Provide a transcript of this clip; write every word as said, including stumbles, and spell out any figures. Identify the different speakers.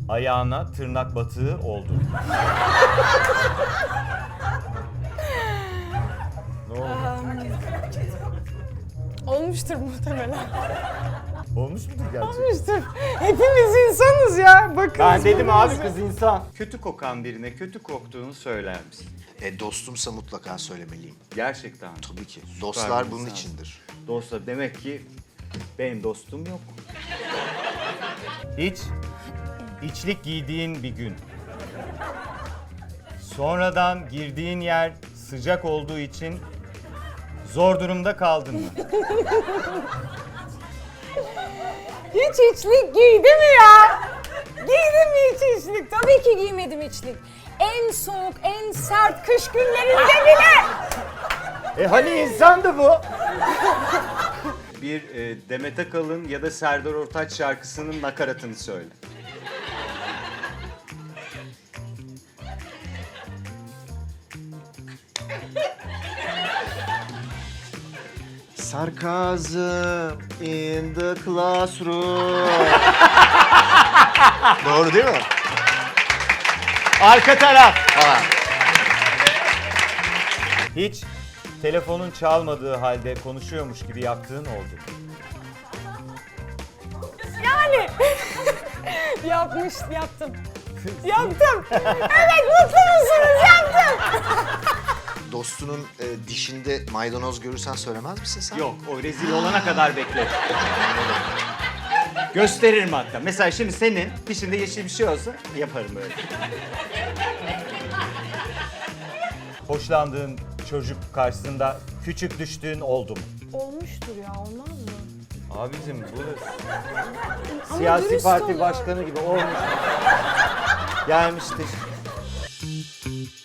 Speaker 1: ayağına tırnak batığı oldu. Ne oldu?
Speaker 2: Olmuştur muhtemelen.
Speaker 1: Olmuş mudur gerçekten?
Speaker 2: Olmuştur. Hepimiz insanız ya. Bakın.
Speaker 1: Ben dedim abi kız insan. Kötü kokan birine kötü koktuğunu söyler misin?
Speaker 3: E, dostumsa mutlaka söylemeliyim.
Speaker 1: Gerçekten.
Speaker 3: Tabii ki.
Speaker 1: Süper
Speaker 3: Dostlar
Speaker 1: bir
Speaker 3: bunun
Speaker 1: insan.
Speaker 3: içindir.
Speaker 1: Dostlar demek ki benim dostum yok. Hiç içlik giydiğin bir gün. Sonradan girdiğin yer sıcak olduğu için zor durumda kaldın mı?
Speaker 2: Hiç içlik giydi mi ya? Giydi mi hiç içlik? Tabii ki giymedim içlik. En soğuk, en sert kış günlerinde bile.
Speaker 1: E hani insandı bu? Bir e, Demet Akalın ya da Serdar Ortaç şarkısının nakaratını söyle.
Speaker 3: Sarcasm in the classroom. Doğru değil mi?
Speaker 1: Arka taraf.
Speaker 3: Ha.
Speaker 1: Hiç telefonun çalmadığı halde konuşuyormuş gibi yaptığın oldu.
Speaker 2: Yani. Yapmış, yaptım. Yaptım. Evet, mutlu musunuz? Yaptım.
Speaker 3: Dostunun e, dişinde maydanoz görürsen söylemez misin sen?
Speaker 1: Yok, o rezil olana kadar bekle. Gösteririm hatta. Mesela şimdi senin dişinde yeşil bir şey olsa yaparım böyle. Hoşlandığın çocuk karşısında küçük düştüğün oldu mu?
Speaker 2: Olmuştur ya, olmaz mı?
Speaker 1: Abicim bu
Speaker 2: Ama
Speaker 1: siyasi
Speaker 2: dürüst
Speaker 1: parti
Speaker 2: olun.
Speaker 1: başkanı gibi olmuş. Gelmiştir.